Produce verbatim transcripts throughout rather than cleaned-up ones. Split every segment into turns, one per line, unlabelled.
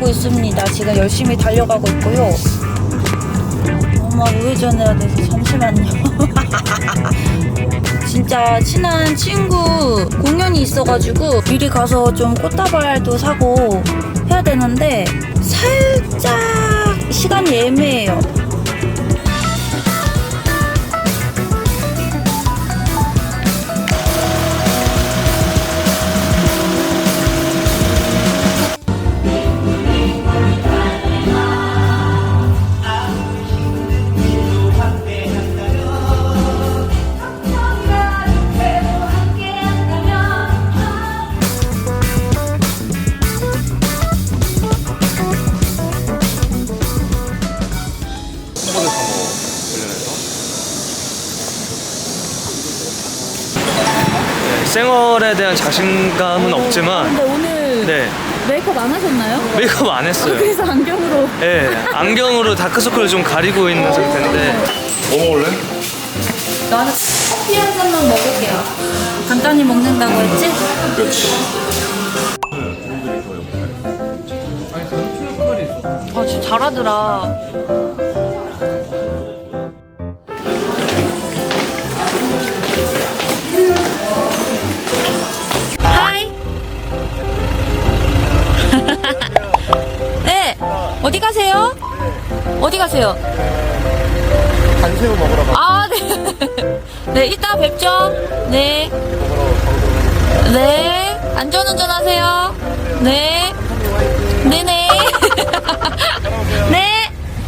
있습니다. 지금 열심히 달려가고 있고요. 엄마 우회전해야 돼서 잠시만요. 진짜 친한 친구 공연이 있어가지고 미리 가서 좀 꽃다발도 사고 해야 되는데 살짝 시간이 애매해요.
생얼에 대한 자신감은 없지만
근데 오늘
네
메이크업 안 하셨나요?
메이크업 안 했어요.
그래서 안경으로.
네 안경으로 다크서클을 좀 가리고 있는 상태인데. 뭐 먹을래?
나는 커피 한 잔만 먹을게요. 간단히 먹는다고 했지?
그렇지.
아 진짜 잘하더라. 하이. 네. 어디 가세요? 어디 가세요?
간새우 먹으러 가.
아, 네. 네, 이따 뵙죠. 네. 네. 안전운전 하세요. 네. 네네. 네.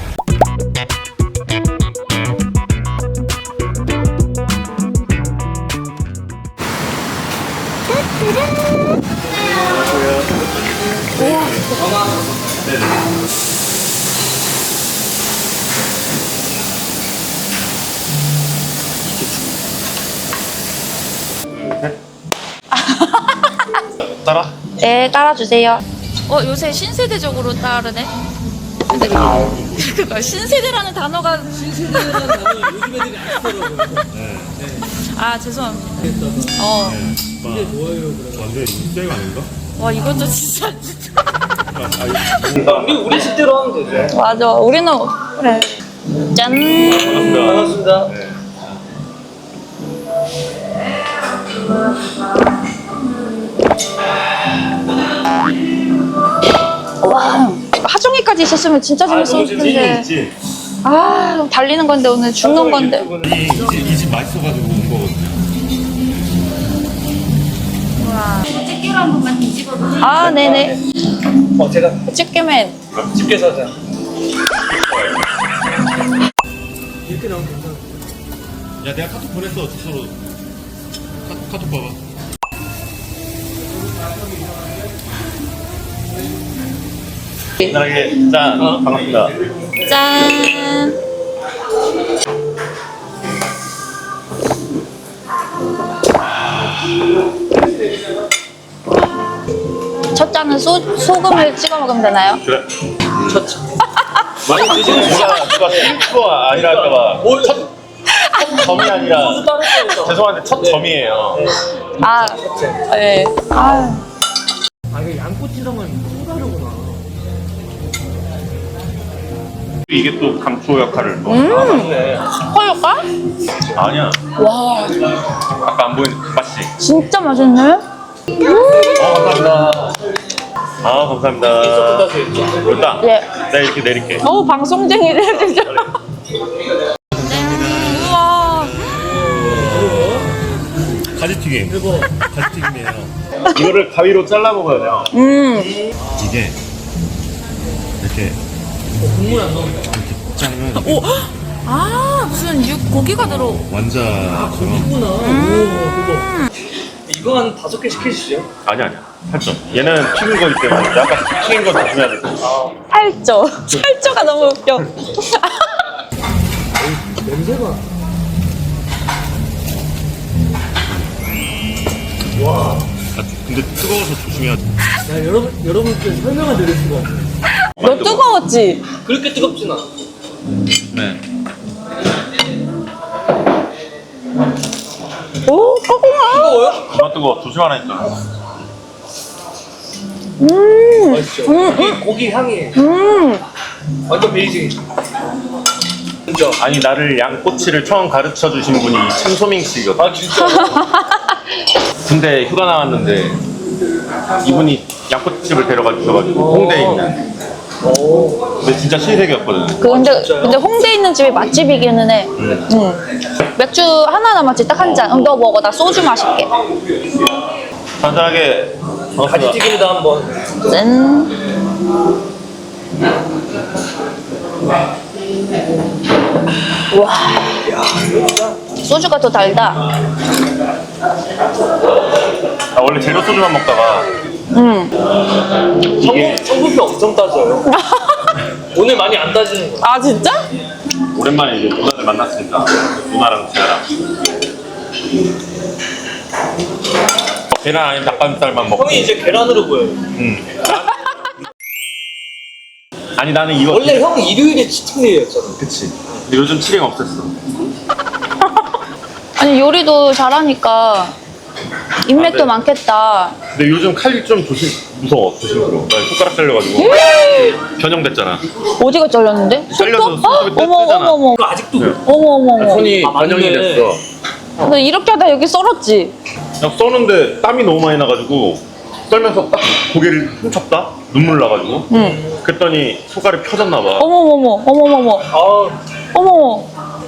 따라.
네, 따라주세요. 어, 요새 신세대적으로 따르네. 근데 그거 신세대라는 단어가 신세대라는 단어 요즘 애들이 안 쓰더라고요. 아, 죄송합니다. 어.
이게 뭐예요? 완전 인생 아닌가?
와, 이것도 진짜 진짜.
우리 우리 식대로 하면 되죠.
맞아. 우리는 그래. 짠.
반갑습니다.
네.
와, 하중이까지 있었으면 진짜 재밌었을 텐데.
있지.
아, 달리는 건데 오늘 죽는 건데.
이집 맛있어가지고 온 거거든요.
집게로 한 번만 뒤집어도. 아, 네네.
어 제가
집게맨.
집게 사자.
이렇게 나오면 괜찮아. 야, 내가 카톡 보냈어, 주소로. 카, 카톡 봐봐. 나에게 짠. 반갑습니다.
짠. 첫 잔은 소, 소금을 찍어 먹으면 되나요?
그래.
첫 많이 드시는
누가, 누가 실수가 아니라 할까봐. 첫, 첫 점이 아니라. 죄송한데 첫 점이에요.
아, 네. 아,
아 이게 양꼬치랑은 또 다르구나.
이게 또 감초 역할을 또.
아 맞네.
허효과?
아니야.
와,
아까 안 보인 맛이.
진짜 맛있네.
어, 감사합니다. 아, 감사합니다. 일단,
예.
내가 이렇게 내릴게.
어우, 방송쟁이래, 진짜. 우와.
가지튀김. 가지튀김이에요. 이거를 가위로 잘라 먹어야 돼요.
음.
이게 이렇게
국물 안 나온다.
이렇게 짜면
오. 아, 무슨 육 고기가 들어.
완자처럼.
있구나. 오 그거. 이거 한 다섯 개 시키시죠?
아니야, 아니야. 팔점. 얘는 튀긴 거기 때문에 약간 튀긴 거 조심해야 돼.
팔조. 팔조가 너무 웃겨.
냄새가. 와.
아, 근데 뜨거워서 조심해야 돼.
야 여러분 여러분께 설명을 드릴 수가 없네.
너 뜨거웠지?
그렇게 뜨겁진 않아.
네.
오, 뜨거워.
뜨거워요?
그만 뜨거워. 조심하라 했잖아.
음.
맛있죠?
음,
고기, 고기 향이
음.
완전 베이직. 진짜.
아니 나를 양꼬치를 처음 가르쳐 주신 분이 참소밍 씨거든.
아 진짜.
군대 휴가 나왔는데 이분이 양꼬치집을 데려가 주셔가지고 홍대에 있는.
오.
근데 진짜 신세계였거든.
그 근데
진짜요?
근데 홍대에 있는 집이 맛집이기는 해. 응. 맥주 하나 남았지 딱 한 잔. 응, 너 먹어. 나 소주 마실게.
간단하게
가지튀김도 한번.
짠. 와. 소주가 더 달다.
나 원래 제로 소주만 먹다가
응.
이게
성분, 성분표 엄청 따져요. 오늘 많이 안 따지는 거야.
아 진짜?
오랜만에 이제 누나들 만났으니까 누나랑 제아랑 계란 아니면 닭가슴살만 먹고.
형이 이제 계란으로 보여요.
응. 아니 나는 이거
원래 형 일요일에 치팅데이였잖아.
그치. 근데 요즘 치링 없앴어.
아니 요리도 잘하니까 인맥도
아, 네.
많겠다.
근데 요즘 칼이 좀 조심 무서워 조심스러워. 나 손가락 잘려가지고 변형됐잖아.
어디가 잘렸는데?
잘려서
손톱?
손톱이
어? 어머
뜯잖아.
어머 어머
그거 아직도
네.
어머 어머 어머.
손이
아, 맞네.
변형이 됐어.
너 이렇게 하다 여기 썰었지?
그냥 써는데 땀이 너무 많이 나가지고 썰면서 딱 고개를 훔쳤다? 눈물 나가지고.
응.
그랬더니 손가락이 펴졌나 봐.
어머 어머 어머 어머 어머
아
어머.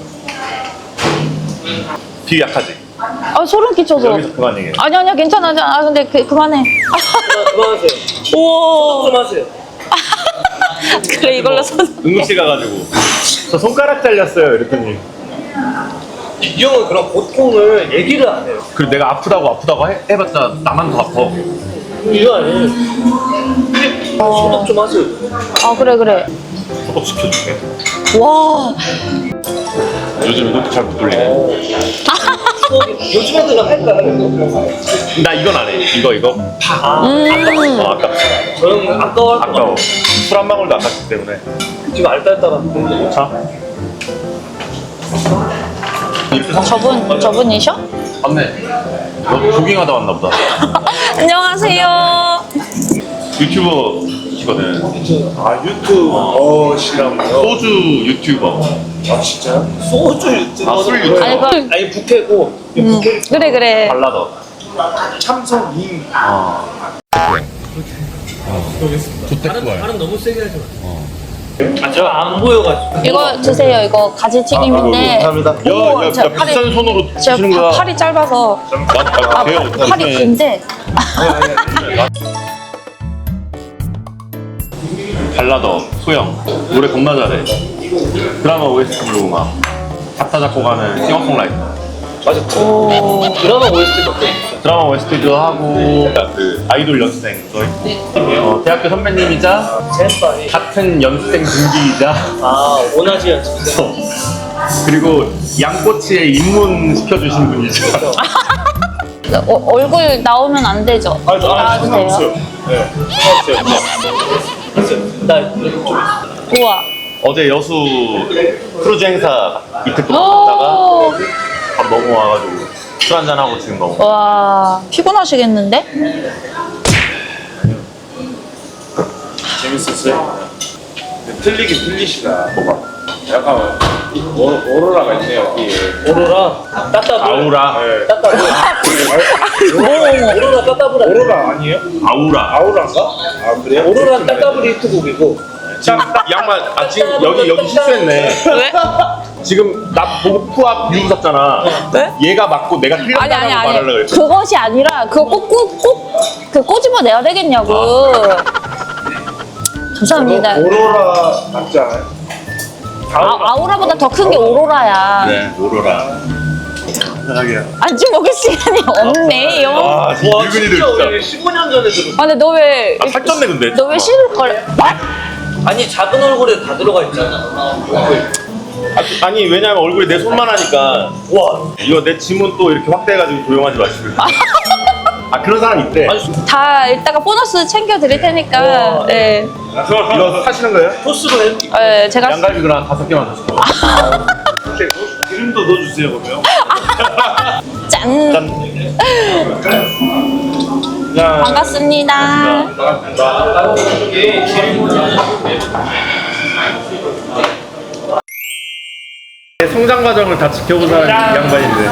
되게 약하지?
아 소름 끼쳐서.
여기서 그만 얘기해.
아니 아니야 괜찮아. 아 근데 그, 그만해.
그만, 그만하세요.
우와.
그만하세요.
그래 이걸로 손.
응급실 가가지고 저 손가락 잘렸어요 이랬더니
이 형은 그런 고통을 얘기를 안 해요.
그리고 내가 아프다고 아프다고 해, 해봤자 나만 더 아파.
이거 아니에요. 소독 좀 하세요.
아 그래 그래.
소독 시켜줄게.
와.
요즘 이것도 잘 못 돌리네.
소독이 요즘 애들은 할까요? 이거?
나 이건 안 해. 이거 이거 파.
음.
어, 아깝지.
저 형은 아까워 할
아까워.
거
술 한 방울도 아깝기 때문에.
지금 알딸딸한데.
자. 이렇게 상-
저분 저분이셔?
맞네. 너 조깅하다 왔나 보다.
안녕하세요.
유튜버시거든.
아 유튜브 어시라고요?
소주 유튜버.
아 진짜요? 소주 유튜브.
아, 술 유튜버.
아니, 그-
아니 부캐고
음. 그래 그래.
발라더.
참석이.
아.
발음 발음 너무 세게 하지 마. 아 제가 안 보여가지고.
이거 드세요. 이거 가지튀김인데.
감사합니다. 야,
어머,
야,
저
야,
팔이-
비싼 손으로
제가
드시는 거야.
파- 팔이 짧아서.
나, 나,
아,
배워.
팔이 긴데.
발라더, 소영. 노래 겁나 잘해. 드라마 오에스티 부르고 막. 작사, 작곡하는 싱어송라이터.
맞아. 오. 드라마 오에스티 같은.
드라마 오에스티도 하고, 그, 아이돌 연습생. 또 했고. 어, 대학교 선배님이자,
젠파이.
같은 연습생 동기이자,
아 오나지 연습생.
그리고 양꼬치에 입문 시켜주신 분이죠.
어, 얼굴 나오면 안 되죠?
아,
나와주세요.
네.
나 여기 좀.
우와.
어제 여수 크루즈 행사 이틀 동안 갔다가
오.
바로 넘어와가지고 술 한잔하고 지금 넘어.
와 피곤하시겠는데?
재밌었어요? 근데 틀리긴 틀리시다.
뭐가?
약간 오, 오로라가 있네요 여기에.
오로라. 따따블.
아우라.
네.
따따블. 오로라 따따블. 아니에요?
오로라 아니에요?
아우라.
아우라인가? 아 그래요?
오로라는 따따블 히트곡이고.
지금 딱 양말, 아, 지금 여기, 여기 실수했네.
왜?
지금 나 보고 푸압 유 웃었잖아.
네?
얘가 맞고 내가
아니
틀렸다고
아니
말하려고
아니
그랬어.
그것이 아니라 그거 꼭꼭꼭그 꼬집어 내야 되겠냐고. 감사합니다.
오로라 맞지 않아요?
아, 아우라보다 더 큰 게 오로라야.
네, 오로라. 편하게.
안주 먹을 시간이 없네요. 아,
아, 진짜 늙은이들
진짜
진짜.
우리 십오 년 전에 들었어.
근데 너 왜?
아, 살쪘네, 근데.
너 왜 싫을 걸?
아니 작은 얼굴에 다 들어가 있잖아.
아, 아니, 왜냐면 얼굴이 내 손만 하니까.
와.
이거 내 지문 또 이렇게 확대해가지고 조용하지 마시고. 아, 그런 사람 있대.
아니
다 이따가 보너스 챙겨 드릴 테니까.
우와.
네.
이거 사시는 거예요?
토스로 해.
네, 제가
양갈비 그럼 한 다섯 개만 더 시켜.
기름도 넣어주세요 그러면.
짠.
짠.
반갑습니다.
성장 과정을 다 지켜본 사람이 이 양반인데.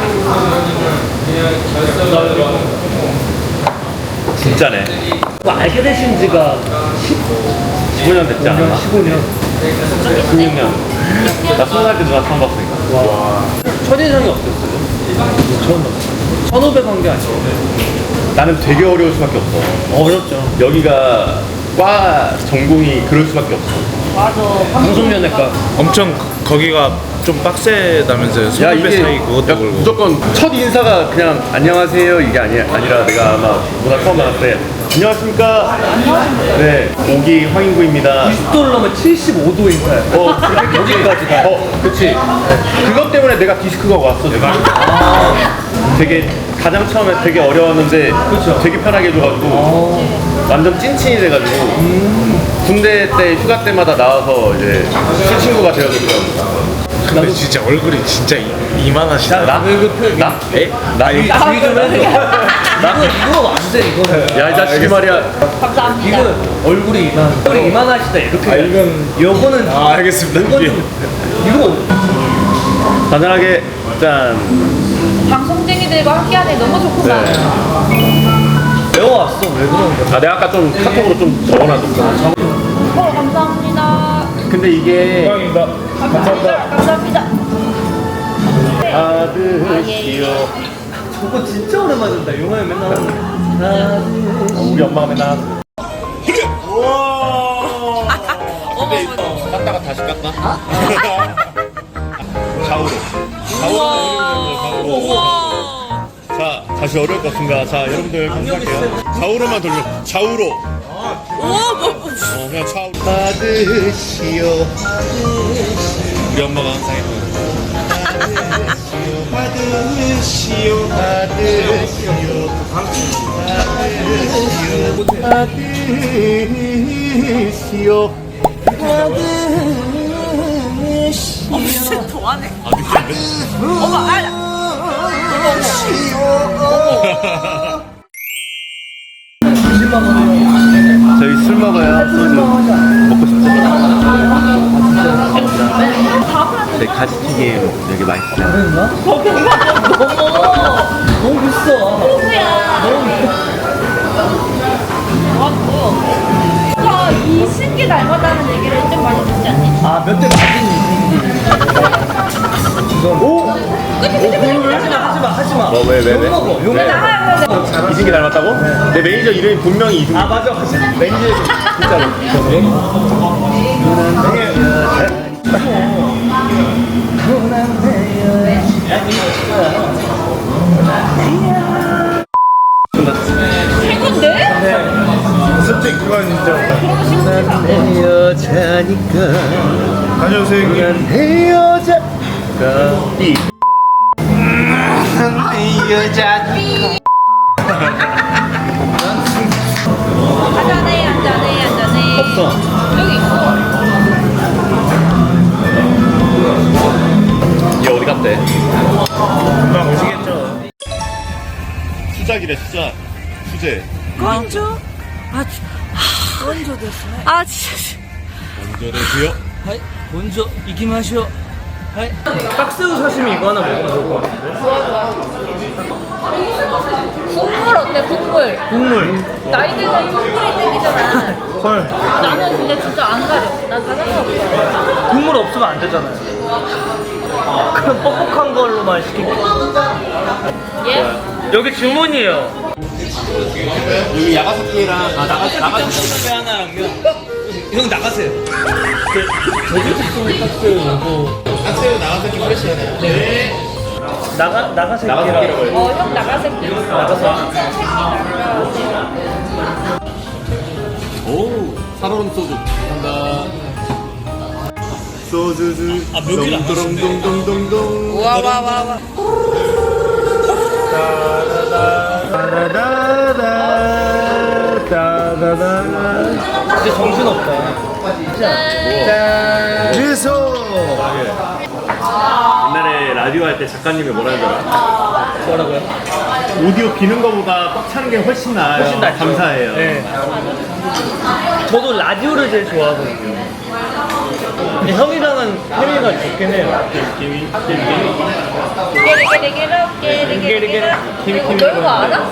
진짜네.
뭐 알게 되신 지가
십오 년 됐지 않았나?
십오 년.
십육 년. 나 스무 살 때 누나 처음 봤으니까.
와. 첫인상이 어땠어요? 처음 봤어요. 천오백 한 게 아니에요.
나는 되게 어려울 수밖에 없어.
어렵죠.
여기가 과 전공이 그럴 수밖에 없어.
맞아.
방송연예과.
엄청 거기가 좀 빡세다면서요.
야
손님배
이게
사이 그것도
야,
그렇고.
무조건 첫 인사가 그냥 안녕하세요 이게 아니, 아니라 내가 아마 문화 처음 나갔을 때 안녕하십니까. 네 오기 황인구입니다.
구십 도를 넘으면 칠십오 도 인사예요.
어 그렇게 여기까지 가. 어 그치. 그것 때문에 내가 디스크가 왔어 내가. 되게 가장 처음에 되게 어려웠는데
그쵸.
되게 편하게 해줘가지고 완전 찐친이 돼가지고 군대 때 휴가 때마다 나와서 이제 친친구가 되어줬더라고.
근데 진짜 얼굴이 진짜 이, 이만하시다.
나? 나? 에? 나? 이
좀 해줘. 이거, 이거 완전 이거는.
야, 이 자식이 말이야.
감사합니다.
이거 얼굴이 이만. 얼굴이 이만하시다 이렇게.
아, 이건-
요거는.
아, 알겠습니다.
이거는 이거.
간단하게 짠.
방송쟁이들과 함께하니 너무 좋구나.
배워왔어. 왜 그런 거야?
아, 내가 아까 좀 카톡으로 좀 적어놔줬어.
어, 감사합니다.
근데 이게
감사합니다. 감사합니다.
아드시오.
저거 진짜 오랜만에 듣다. 용화에 맨날 하는. 아,
우리 엄마가 맨날 하는.
어머,
깠다가 다시 깠나? 좌우로. 좌우로.
우와.
자, 다시 어려울 것 같습니다. 자, 여러분들 감사할게요. 좌우로만 돌려. 좌우로.
우와, 뭐,
어, 그냥 좌우로. 받으시오. 우리 엄마가 항상 했거든. 받으시오. 받으시오. 받으시오.
어, 진짜 좋아하네.
아, 느끼는데?
어머, 아,
저희 술 먹어요. 소주. 먹고 싶죠? 저희 가지튀김 여기 맛있어요.
그랬나? 너무, 너무 비싸.
아, 이 신기 닮았다는 얘기를 좀 많이 듣지 않니?
아, 몇 대 맞은 이건. 오? 하지마, 하지마, 하지마.
뭐, 왜, 왜, 왜?
욕 먹어, 욕 먹어.
이승기 닮았다고? 내 매니저 이름이 분명히 이승기.
아, 맞아, 맞아.
매니저 진짜로.
최고인데?
솔직히 그건 진짜.
내 여자니까.
다녀오세요 형님.
내 여자가 이. 내 여자니까.
한잔해, 한잔해, 한잔해.
없어.
여기 있어.
얘 어디 갔대?
금방 오시겠죠.
수작이래 수작. 수제.
건조? 아, 하, 건조 됐네. 아, 진짜.
먼저 되세요.
하이, 먼저 이기마시오. 하이. 딱새우 사시미 이거 하나 먹으면 좋을 것 같은데.
국물 어때, 국물?
국물.
나이 들면 국물이 땡기잖아.
헐.
나는 근데 진짜 안 가려. 난 다른 거 없어.
국물 없으면 안 되잖아요. 그럼 뻑뻑한 걸로만 시킬게.
예?
여기 주문이에요.
여기 야가사키랑 아 나가 나가.
배 하나랑요. 형 나가세요. 제주특송 딱새우 이거.
딱새우 나가사키 프레시하네. 네.
나가 나가세요.
나가사키라고 해.
어, 형 나가새끼.
나가서.
오 살얼음 소주. 간다. 소주주.
아, 묘기를 안
동동동동동.
와, 와, 와, 와.
이제 정신 없다.
미소. 옛날에 라디오 할 때 작가님이 뭐라 하더라?
뭐라고요?
오디오 비는 거보다 꽉 차는 게 훨씬 나아요.
훨씬 낫죠.
감사해요.
네. 저도 라디오를 제일 좋아하거든요. 근데 형이랑은 케미가 좋긴 해요.
김이
깨리깨리깨리 깨리깨리. 너 이거 알아?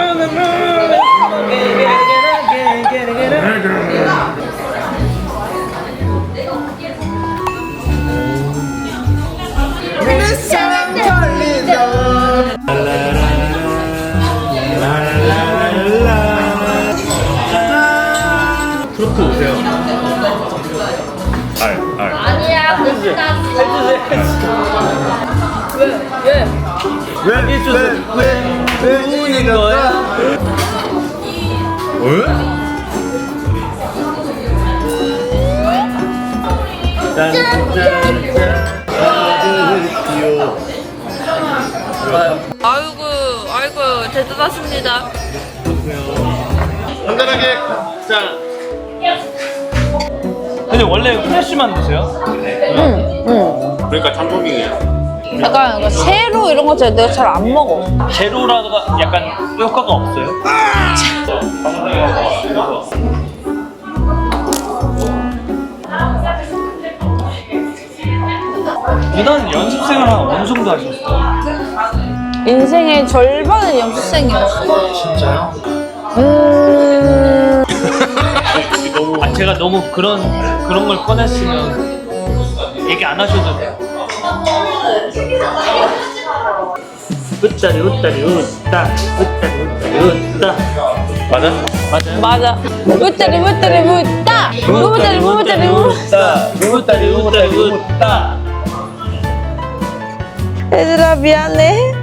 트로트 오세요. 알, 알.
아니야, 끝났어. 왜? 왜?
왜, 왜, 왜, 왜 우는 거야? 왜? 짠짠짠.
아이고, 아이고, 대단하십니다.
간단하게 짠.
근데 원래 후레쉬만 드세요?
그러니까 참고민이야.
약간 이거 세로 이런 거 내가 잘 안 먹어.
제로라가 약간 효과가 없어요? 누나는 연습 생활 한 어느 정도 하셨어요?
인생의 절반은 연습생이었어.
진짜요?
음.
아 제가 너무 그런 그런 걸 꺼냈으면 얘기 안 하셔도 돼요. 웃다리 웃다리 웃다 웃다리 웃다리 웃다.
맞아?
맞아요?
맞아. 무따리 무따리 무따. 무따리 무따리 무.
웃다 웃다리 웃다리 웃다.
얘들아 미안해.